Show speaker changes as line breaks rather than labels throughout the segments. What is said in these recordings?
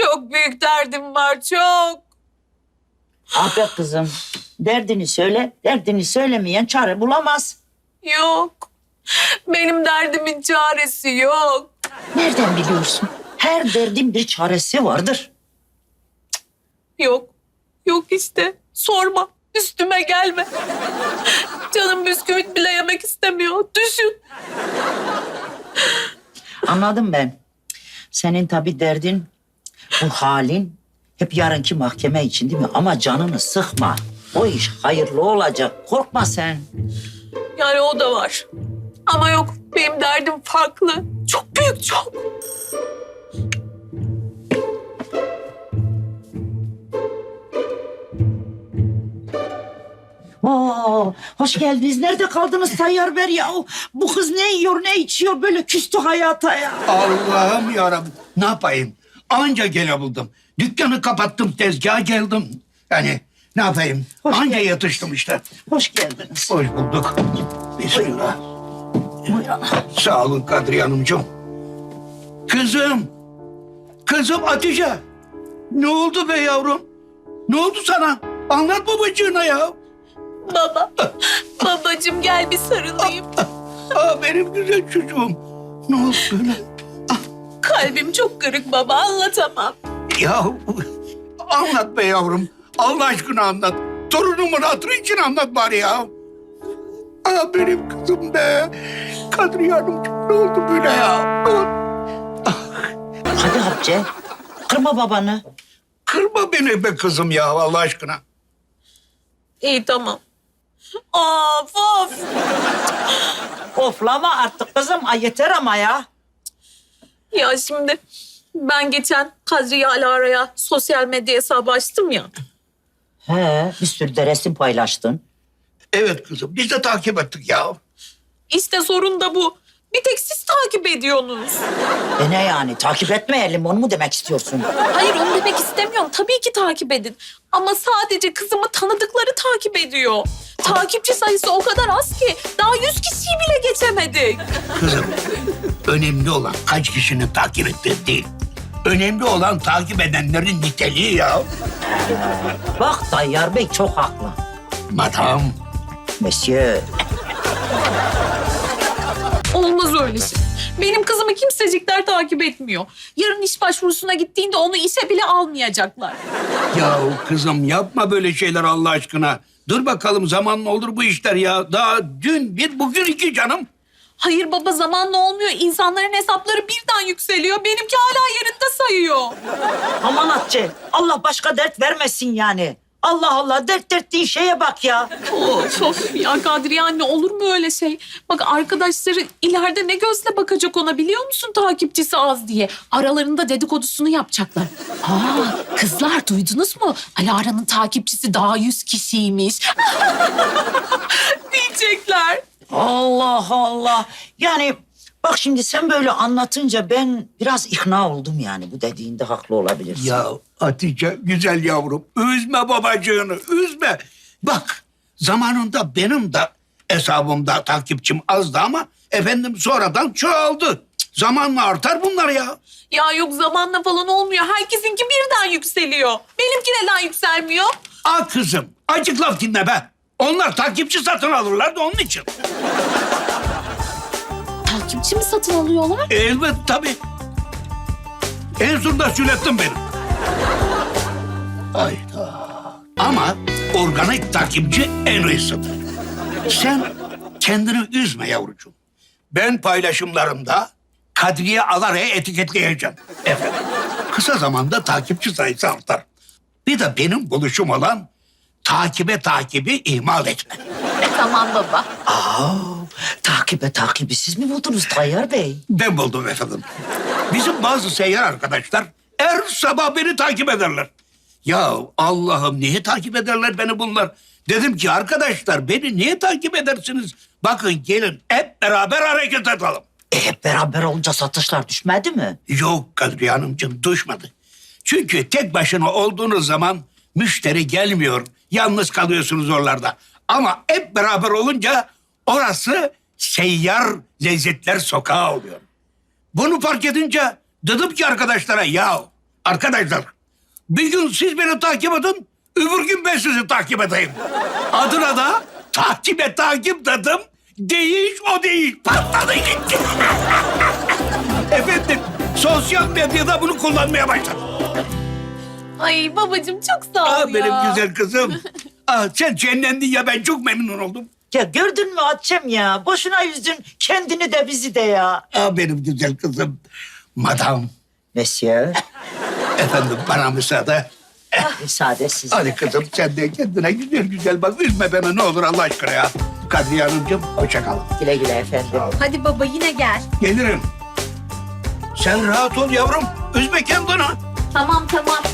Çok büyük derdim var, çok.
Ah be kızım, derdini söyle, derdini söylemeyen çare bulamaz.
Yok. Benim derdimin çaresi yok.
Nereden biliyorsun? Her derdin bir çaresi vardır.
Yok. Yok işte. Sorma. Üstüme gelme. Canım bisküvit bile yemek istemiyor. Düşün.
Anladım ben. Senin tabii derdin, bu halin hep yarınki mahkeme için değil mi? Ama canını sıkma. O iş hayırlı olacak. Korkma sen.
Yani o da var. Ama yok. Benim derdim farklı. Çok büyük, çok.
Oo, hoş geldiniz. Nerede kaldınız Tayyar Bey ya? Bu kız ne yiyor, ne içiyor? Böyle küstü hayata ya.
Allah'ım yarabbim. Ne yapayım? Anca gelebildim. Dükkanı kapattım, tezgaha geldim. Yani ne yapayım?
Hoş
Anca
geldiniz.
yatıştım işte.
Hoş geldiniz.
Hoş bulduk. Bismillah.
Buyurun.
Sağ olun Kadriye Hanımcığım. Kızım. Kızım Hatice. Ne oldu be yavrum? Ne oldu sana? Anlat babacığına ya.
Baba. Babacığım gel bir sarılayım.
Benim güzel çocuğum. Ne oldu böyle?
Kalbim çok kırık baba, anlatamam.
Ya anlat be yavrum. Allah aşkına anlat. Torunumun hatırı için anlat bari ya. Benim kızım be. Kadriye Hanımcığım ne oldu böyle ya?
Hadi Hatice, kırma babanı.
Kırma beni be kızım ya Allah aşkına.
İyi tamam. Of of.
Oflama artık kızım. Ay yeter ama ya.
Ya şimdi ben geçen Kadriye Alara'ya sosyal medya hesabı açtım ya.
He, bir sürü de resim paylaştın.
Evet kızım biz de takip ettik ya.
İşte sorun da bu. Bir tek siz takip ediyorsunuz.
Ne yani? Takip etmeyelim onu mu demek istiyorsun?
Hayır onu demek istemiyorum. Tabii ki takip edin. Ama sadece kızımı tanıdıkları takip ediyor. Takipçi sayısı o kadar az ki daha 100 kişiyi bile geçemedik.
Kızım önemli olan kaç kişinin takip ettiği değil. Önemli olan takip edenlerin niteliği ya.
Bak Tayyar Bey çok haklı.
Madam.
Monsieur.
Olmaz öyle şey. Benim kızımı kimsecikler takip etmiyor. Yarın iş başvurusuna gittiğinde onu işe bile almayacaklar.
Ya kızım yapma böyle şeyler Allah aşkına. Dur bakalım zamanla olur bu işler ya. Daha dün bir bugün iki canım.
Hayır baba zamanla olmuyor. İnsanların hesapları birden yükseliyor. Benimki hala yerinde sayıyor.
Aman Hatice, Allah başka dert vermesin yani. Allah Allah, dert ettiğin şeye bak ya.
Of of ya Kadriye anne olur mu öyle şey? Bak arkadaşları ileride ne gözle bakacak ona biliyor musun takipçisi az diye. Aralarında dedikodusunu yapacaklar. Kızlar duydunuz mu? Alara'nın takipçisi daha 100 kişiymiş. Diyecekler.
Allah Allah. Yani bak şimdi sen böyle anlatınca ben biraz ikna oldum yani. Bu dediğinde haklı olabilirsin.
Ya Hatice güzel yavrum üzme babacığını üzme. Bak zamanında benim de hesabımda takipçim azdı ama efendim sonradan çoğaldı. Zamanla artar bunlar ya.
Ya yok zamanla falan olmuyor. Herkesinki birden yükseliyor. Benimki neden yükselmiyor?
Kızım acık laf dinle be. Onlar takipçi satın alırlar da onun için.
Takipçi mi satın alıyorlar?
Evet tabii. En sonunda söylettin beni. Hayda. Ama organik takipçi en iyisidir. Sen kendini üzme yavrucuğum. Ben paylaşımlarımda Kadriye Alara'ya etiketleyeceğim. Efendim. Kısa zamanda takipçi sayısı artar. Bir de benim buluşum olan takibi ihmal etme.
Tamam baba.
Takibi siz mi buldunuz Tayyar Bey?
Ben buldum efendim. Bizim bazı seyyar arkadaşlar her sabah beni takip ederler. Ya Allah'ım niye takip ederler beni bunlar? Dedim ki arkadaşlar beni niye takip edersiniz? Bakın gelin hep beraber hareket edelim.
Hep beraber olunca satışlar düşmedi mi?
Yok Kadriye Hanımcığım düşmedi. Çünkü tek başına olduğunuz zaman müşteri gelmiyor. Yalnız kalıyorsunuz oralarda. Ama hep beraber olunca orası seyyar lezzetler sokağı oluyor. Bunu fark edince dedim ki arkadaşlara ya Arkadaşlar, bir gün siz beni takip edin, öbür gün ben sizi takip edeyim. Adına da takip dedim. Değiş o değiş. Patladı gitti. Efendim, sosyal medyada bunu kullanmaya başladım.
Ay babacığım çok sağ ol ya.
Benim güzel kızım. Sen cennendin ya, ben çok memnun oldum.
Ya gördün mü Hatice'm ya? Boşuna üzdün kendini de bizi de ya.
Benim güzel kızım. Madam,
Monsieur,
efendim bana müsaade.
müsaade size.
Hadi kızım sen de kendine güzel güzel bak. Üzme beni ne olur Allah aşkına ya. Kadriye Hanımcığım hoşça kalın.
Güle güle efendim.
Hadi baba yine gel.
Gelirim. Sen rahat ol yavrum. Üzme kendini.
Tamam.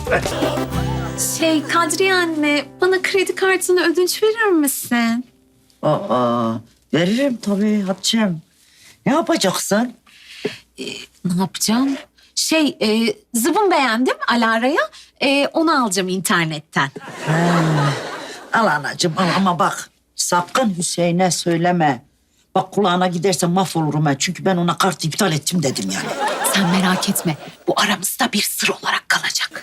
Kadriye anne bana kredi kartını ödünç verir misin?
Aa, veririm tabii Hatice'm. Ne yapacaksın?
Ne yapacağım? Zıbın beğendim Alara'ya. Onu alacağım internetten.
Al anacığım al ama bak sakın Hüseyin'e söyleme. Bak kulağına giderse mahvolurum ben. Çünkü ben ona kart iptal ettim dedim yani.
Sen merak etme. Bu aramızda bir sır olarak kalacak.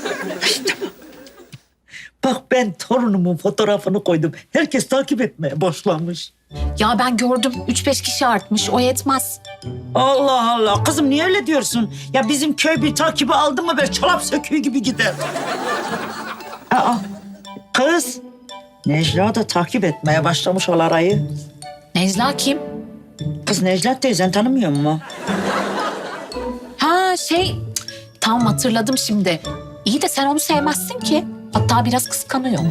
Bak ben torunumun fotoğrafını koydum. Herkes takip etmeye başlamış.
Ya ben gördüm. 3-5 kişi artmış. O yetmez.
Allah Allah. Kızım niye öyle diyorsun? Ya bizim köy bir takibi aldı mı böyle çorap söküğü gibi gider. Aa, kız. Necla da takip etmeye başlamış Alara'yı.
Necla kim?
Kız Necla teyzen tanımıyor mu?
Ha tamam hatırladım şimdi. İyi de sen onu sevmezsin ki. Hatta biraz kıskanıyor.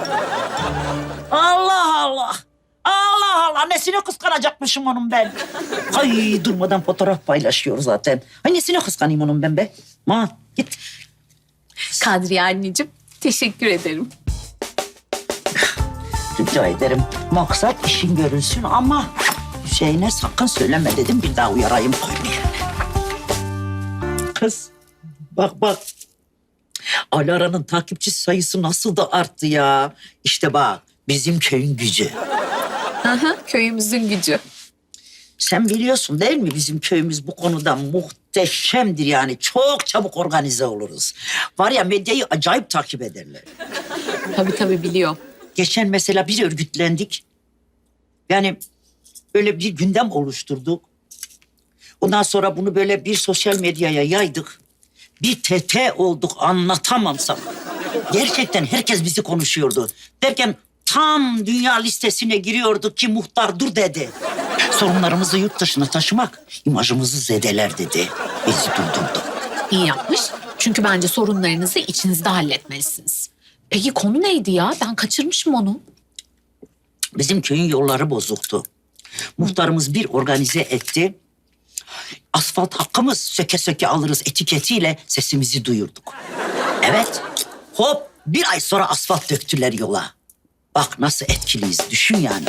Allah Allah. Allah Allah. Nesine kıskanacakmışım onun ben? Ay durmadan fotoğraf paylaşıyor zaten. Ay nesine kıskanayım onun ben be? Ma git.
Kadriye anneciğim teşekkür ederim.
Rica ederim. Maksat işin görülsün ama Hüseyin'e sakın söyleme dedim. Bir daha uyarayım koymayayım. Kız bak. Alara'nın takipçi sayısı nasıl da arttı ya. İşte bak bizim köyün gücü.
Aha, köyümüzün gücü.
Sen biliyorsun değil mi bizim köyümüz bu konuda muhteşemdir yani. Çok çabuk organize oluruz. Var ya medyayı acayip takip ederler.
Tabii biliyor.
Geçen mesela bir örgütlendik. Yani böyle bir gündem oluşturduk. Ondan sonra bunu böyle bir sosyal medyaya yaydık. Bir TT olduk anlatamam sana. Gerçekten herkes bizi konuşuyordu. Derken tam dünya listesine giriyorduk ki muhtar dur dedi. Sorunlarımızı yurt dışına taşımak imajımızı zedeler dedi. Bizi durdurdu.
İyi yapmış. Çünkü bence sorunlarınızı içinizde halletmelisiniz. Peki konu neydi ya? Ben kaçırmışım onu.
Bizim köyün yolları bozuktu. Muhtarımız bir organize etti. Asfalt hakkımız söke söke alırız etiketiyle sesimizi duyurduk. Evet, hop bir ay sonra asfalt döktüler yola. Bak nasıl etkiliyiz düşün yani.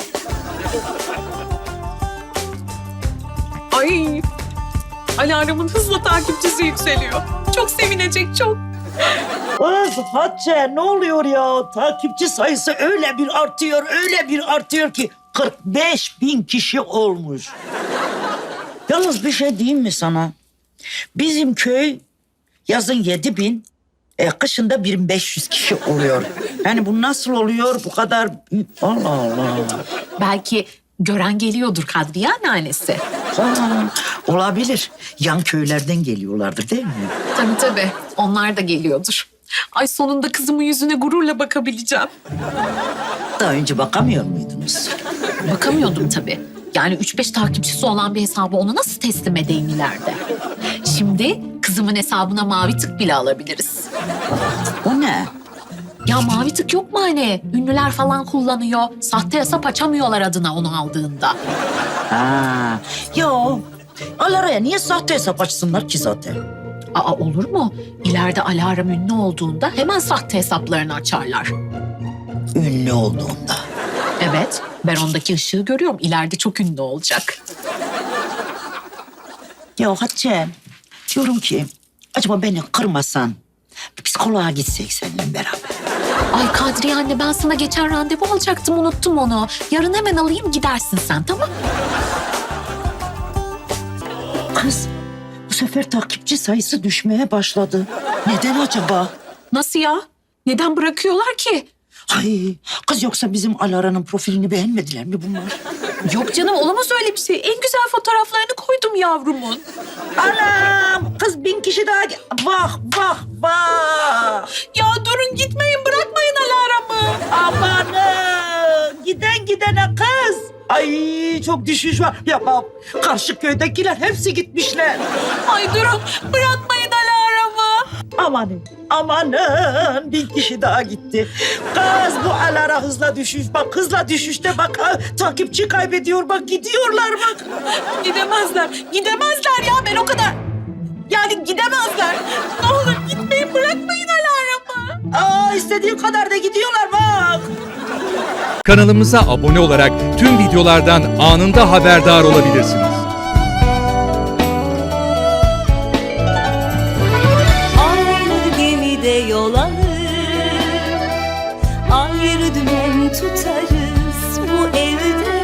Ay. Alarmın hızla takipçisi yükseliyor. Çok sevinecek çok.
Kız Hatice ne oluyor ya? Takipçi sayısı öyle bir artıyor ki 45.000 kişi olmuş. Yalnız bir şey diyeyim mi sana? Bizim köy yazın 7.000, kışında 1.500 kişi oluyor. Yani bu nasıl oluyor bu kadar? Allah Allah.
Belki gören geliyordur Kadriye anneannesi.
Olabilir. Yan köylerden geliyorlardır değil mi?
Tabii. Onlar da geliyordur. Ay sonunda kızımın yüzüne gururla bakabileceğim.
Daha önce bakamıyor muydunuz?
Bakamıyordum tabii. Yani 3-5 takipçisi olan bir hesabı ona nasıl teslim edeyim ileride? Şimdi kızımın hesabına mavi tık bile alabiliriz.
O ne?
Ya mavi tık yok mu hani? Ünlüler falan kullanıyor. Sahte hesap açamıyorlar adına onu aldığında.
Ha, yo. Alara'ya niye sahte hesap açsınlar ki zaten?
Aa olur mu? İleride alarm ünlü olduğunda hemen sahte hesaplarını açarlar.
Ünlü olduğunda.
Evet, ben ondaki ışığı görüyorum. İleride çok ünlü olacak.
Ya Hatice, diyorum ki acaba beni kırmasan bir psikoloğa gitsek seninle beraber.
Ay Kadriye anne ben sana geçen randevu alacaktım unuttum onu. Yarın hemen alayım gidersin sen tamam?
Kız bu sefer takipçi sayısı düşmeye başladı. Neden acaba?
Nasıl ya? Neden bırakıyorlar ki?
Ay kız yoksa bizim Alara'nın profilini beğenmediler mi bunlar?
Yok canım, olamaz öyle bir şey. En güzel fotoğraflarını koydum yavrumun.
Anam kız 1000 kişi daha... Bak bak bak.
Ya durun, gitmeyin, bırakmayın Alara'mı.
Amanın giden gidene kız. Ay çok düşüş var. Ya bak karşı köydekiler hepsi gitmişler.
Ay durun, bırakmayın Alara'mı.
Amanın amanın 1000 kişi daha gitti. Kız bu Alara hızla düşüş. Bak hızla düşüşte bak ha, takipçi kaybediyor bak gidiyorlar bak.
Gidemezler, gidemezler ya, ben o kadar... Yani gidemezler. Ne olur gitmeyin, bırakmayın Alara'mı.
Aa istediğin kadar da gidiyorlar bak.
Kanalımıza abone olarak tüm videolardan anında haberdar olabilirsiniz.
Aynı gemide yol alır, ayrı dümen tutarız bu evde.